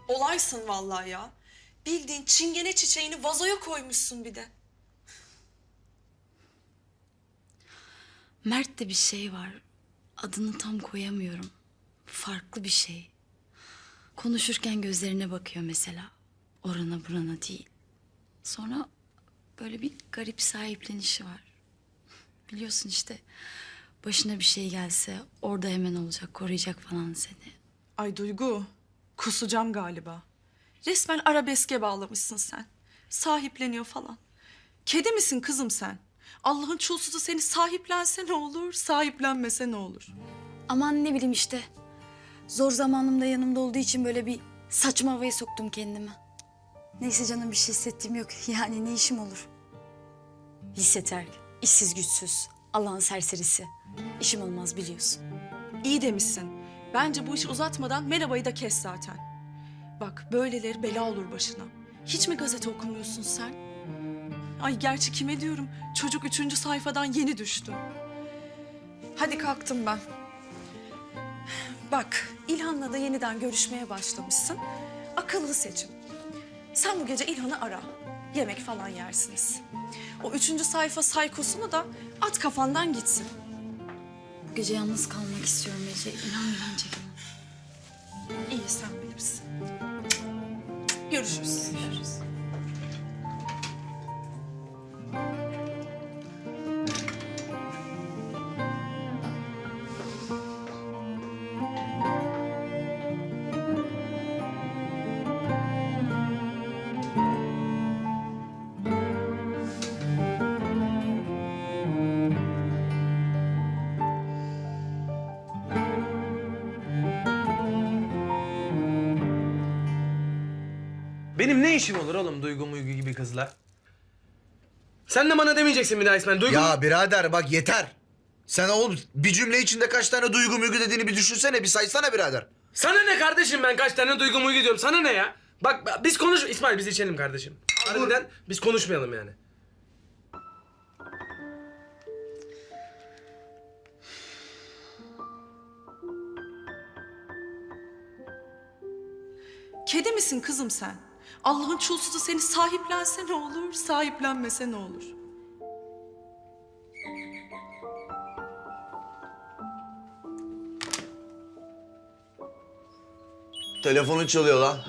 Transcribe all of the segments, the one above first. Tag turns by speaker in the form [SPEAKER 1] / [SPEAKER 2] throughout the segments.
[SPEAKER 1] Olaysın vallahi ya. Bildiğin çingene çiçeğini vazoya koymuşsun bir de.
[SPEAKER 2] Mert'te bir şey var. Adını tam koyamıyorum. Farklı bir şey. Konuşurken gözlerine bakıyor mesela. Orana burana değil. Sonra böyle bir garip sahiplenişi var. Biliyorsun işte başına bir şey gelse orada hemen olacak, koruyacak falan seni.
[SPEAKER 1] Ay Duygu, kusacağım galiba. Resmen arabeske bağlamışsın sen. Sahipleniyor falan. Kedi misin kızım sen? Allah'ın çulsuzu seni sahiplense ne olur, sahiplenmese ne olur?
[SPEAKER 2] Aman ne bileyim işte. Zor zamanımda yanımda olduğu için böyle bir saçma havaya soktum kendimi. Neyse canım bir şey hissettiğim yok. Yani ne işim olur? Lise terk, işsiz güçsüz, Allah'ın serserisi. İşim olmaz biliyorsun.
[SPEAKER 1] İyi demişsin. Bence bu işi uzatmadan merhabayı da kes zaten. Bak böyleleri bela olur başına. Hiç mi gazete okumuyorsun sen? Ay gerçi kime diyorum? Çocuk 3. sayfadan yeni düştü. Hadi kalktım ben. Bak İlhan'la da yeniden görüşmeye başlamışsın. Akıllı seçim. Sen bu gece İlhan'ı ara. Yemek falan yersiniz. O 3. sayfa saykosunu da at kafandan gitsin.
[SPEAKER 2] Bu gece yalnız kalmak istiyorum Ece. İnan bence bana.
[SPEAKER 1] İyi sen bilirsin. Görüşürüz.
[SPEAKER 2] Görüşürüz.
[SPEAKER 3] Benim ne işim olur oğlum Duygu Muygu gibi kızla? Sen de bana demeyeceksin bir daha İsmail. Duygu...
[SPEAKER 4] Ya birader bak yeter. Sen oğlum bir cümle içinde kaç tane duygu mügü dediğini bir düşünsene, bir saysana birader.
[SPEAKER 3] Sana ne kardeşim, ben kaç tane Duygu Muygu diyorum, sana ne ya? Bak biz konuş... İsmail biz içelim kardeşim. Harbiden biz konuşmayalım yani.
[SPEAKER 1] Kedi misin kızım sen? Allah'ın çulsuzu seni sahiplense ne olur, sahiplenmese ne olur?
[SPEAKER 4] Telefonun çalıyor lan.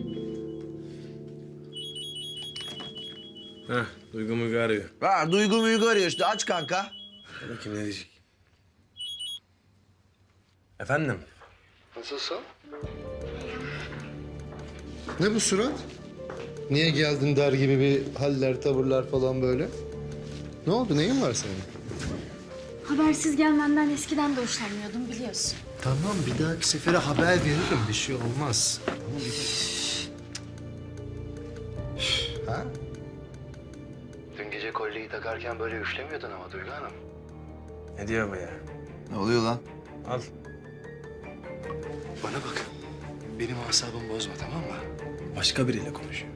[SPEAKER 3] Heh, Duygu Muygu arıyor.
[SPEAKER 4] Ha, duygu mügü arıyor işte, aç kanka.
[SPEAKER 3] Bakayım ne diyecek. Efendim?
[SPEAKER 5] Nasılsın? Ne bu surat? Niye geldin der gibi bir haller, tavırlar falan böyle? Ne oldu? Neyin var senin?
[SPEAKER 2] Habersiz gelmenden eskiden de hoşlanmıyordum biliyorsun.
[SPEAKER 5] Tamam, bir dahaki sefere haber veririm. Bir şey olmaz. Tamam, ha? Dün gece kolyeyi takarken böyle üflemiyordun ama Duygu Hanım.
[SPEAKER 3] Ne diyor bu ya?
[SPEAKER 4] Ne oluyor lan?
[SPEAKER 3] Al.
[SPEAKER 5] Bana bak. Benim asabımı bozma, tamam mı?
[SPEAKER 3] Başka biriyle konuşuyor.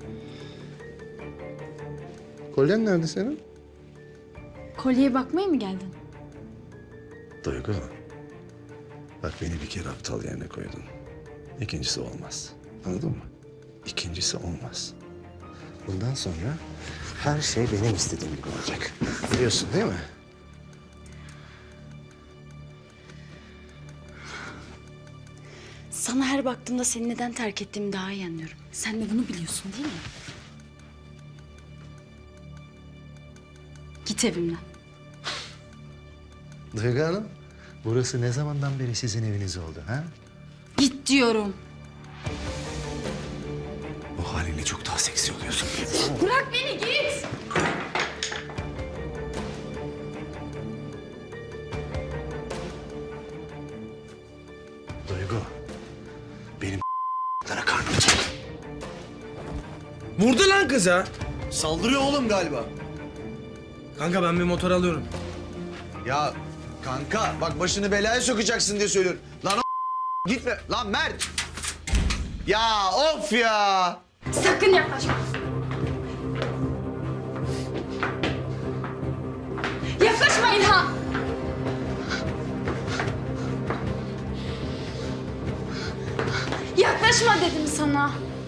[SPEAKER 5] Kolyen nerede senin?
[SPEAKER 2] Kolyeye bakmaya mı geldin?
[SPEAKER 6] Duygu, bak beni bir kere aptal yerine koydun. İkincisi olmaz. Anladın mı? İkincisi olmaz.
[SPEAKER 5] Bundan sonra her şey benim istediğim gibi olacak. Biliyorsun değil mi?
[SPEAKER 2] Sana her baktığımda seni neden terk ettiğimi daha iyi anlıyorum. Sen de bunu biliyorsun değil mi? Git evimden.
[SPEAKER 5] Duygu Hanım, burası ne zamandan beri sizin eviniz oldu ha?
[SPEAKER 2] Git diyorum.
[SPEAKER 6] Bu halinle çok daha seksi oluyorsun.
[SPEAKER 2] Bırak beni git.
[SPEAKER 6] Duygu, benim lara karnım çek.
[SPEAKER 3] Vurdu lan kıza.
[SPEAKER 4] Saldırıyor oğlum galiba.
[SPEAKER 3] Kanka ben bir motor alıyorum.
[SPEAKER 4] Ya kanka bak başını belaya sokacaksın diye söylüyorum. Lan o gitme. Lan Mert. Ya of ya.
[SPEAKER 2] Sakın yaklaşma. Yaklaşma İlhan. Yaklaşma dedim sana.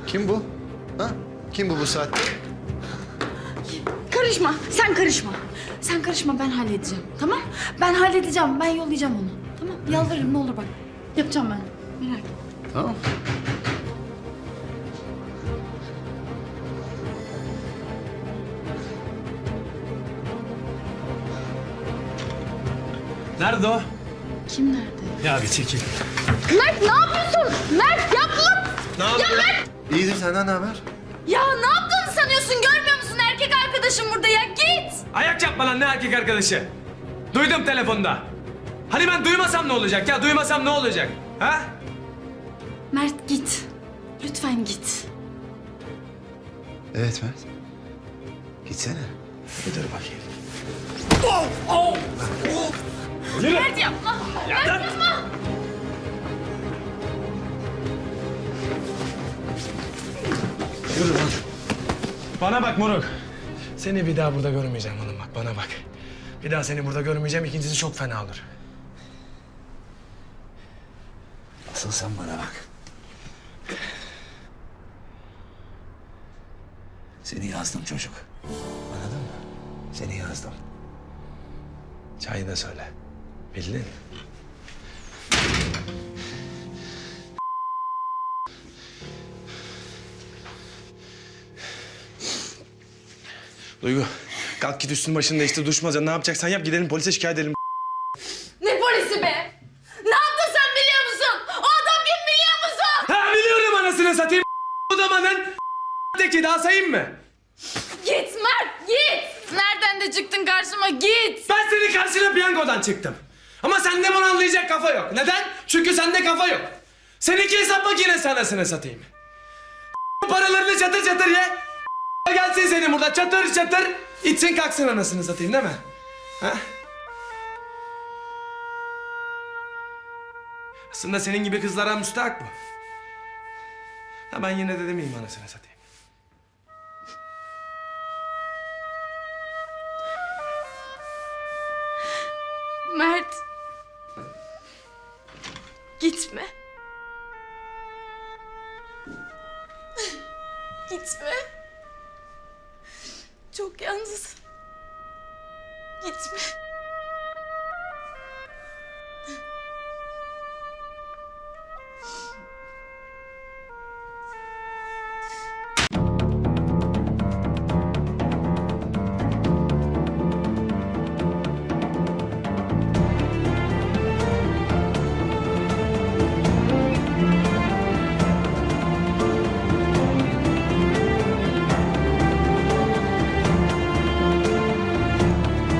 [SPEAKER 5] Kim bu? Ha? Kim bu saatte?
[SPEAKER 2] Karışma, sen karışma. Sen karışma, ben halledeceğim. Tamam? Ben halledeceğim, ben yollayacağım onu. Tamam? Yalvarırım, ne olur bak. Yapacağım ben. Merak etme.
[SPEAKER 5] Tamam.
[SPEAKER 3] Nerede o?
[SPEAKER 2] Kim nerede?
[SPEAKER 3] Ya bir çekil.
[SPEAKER 2] Mert ne yapıyorsun? Mert yapma!
[SPEAKER 3] Ne yapıyorsun?
[SPEAKER 5] İyidir, senden ne haber?
[SPEAKER 2] Ya ne yaptığını sanıyorsun? Görmüyor musun? Erkek arkadaşım burada ya. Git!
[SPEAKER 3] Ayak yapma lan, ne erkek arkadaşı? Duydum telefonda. Hani ben duymasam ne olacak ya? Duymasam ne olacak? Ha?
[SPEAKER 2] Mert git. Lütfen git.
[SPEAKER 6] Evet Mert. Gitsene.
[SPEAKER 3] Bir dur bakayım.
[SPEAKER 2] Mert yapma. Mert yapma.
[SPEAKER 3] Yürü lan. Bana bak moruk. Seni bir daha burada görmeyeceğim oğlum, bak bana bak. Bir daha seni burada görmeyeceğim, ikincisi çok fena olur.
[SPEAKER 6] Asıl sen bana bak. Seni yazdım çocuk. Anladın mı? Seni yazdım.
[SPEAKER 3] Çayı da söyle. Bildin. Duygu, kalk git üstün başını değiştir, duş maza, ne yapacaksan yap, gidelim polise şikayet edelim.
[SPEAKER 2] Ne polisi be? Ne yaptın sen biliyor musun? O adam kim biliyor musun?
[SPEAKER 3] Ha biliyorum anasını satayım. O zamanın teki, daha sayayım mı?
[SPEAKER 2] Git Mert git. Nereden de çıktın karşıma git.
[SPEAKER 3] Ben senin karşına piyangodan çıktım. Ama sende bunu anlayacak kafa yok. Neden? Çünkü sende kafa yok. Seninki hesap makinesi anasını satayım. Paralarını çatır çatır ye. Gelsin senin burada çatır çatır. İçsin kalksın anasını satayım değil mi? Ha? Aslında senin gibi kızlara müstahak bu. Ha ben yine de demeyeyim anasını satayım.
[SPEAKER 1] Mert. Gitme. Gitme.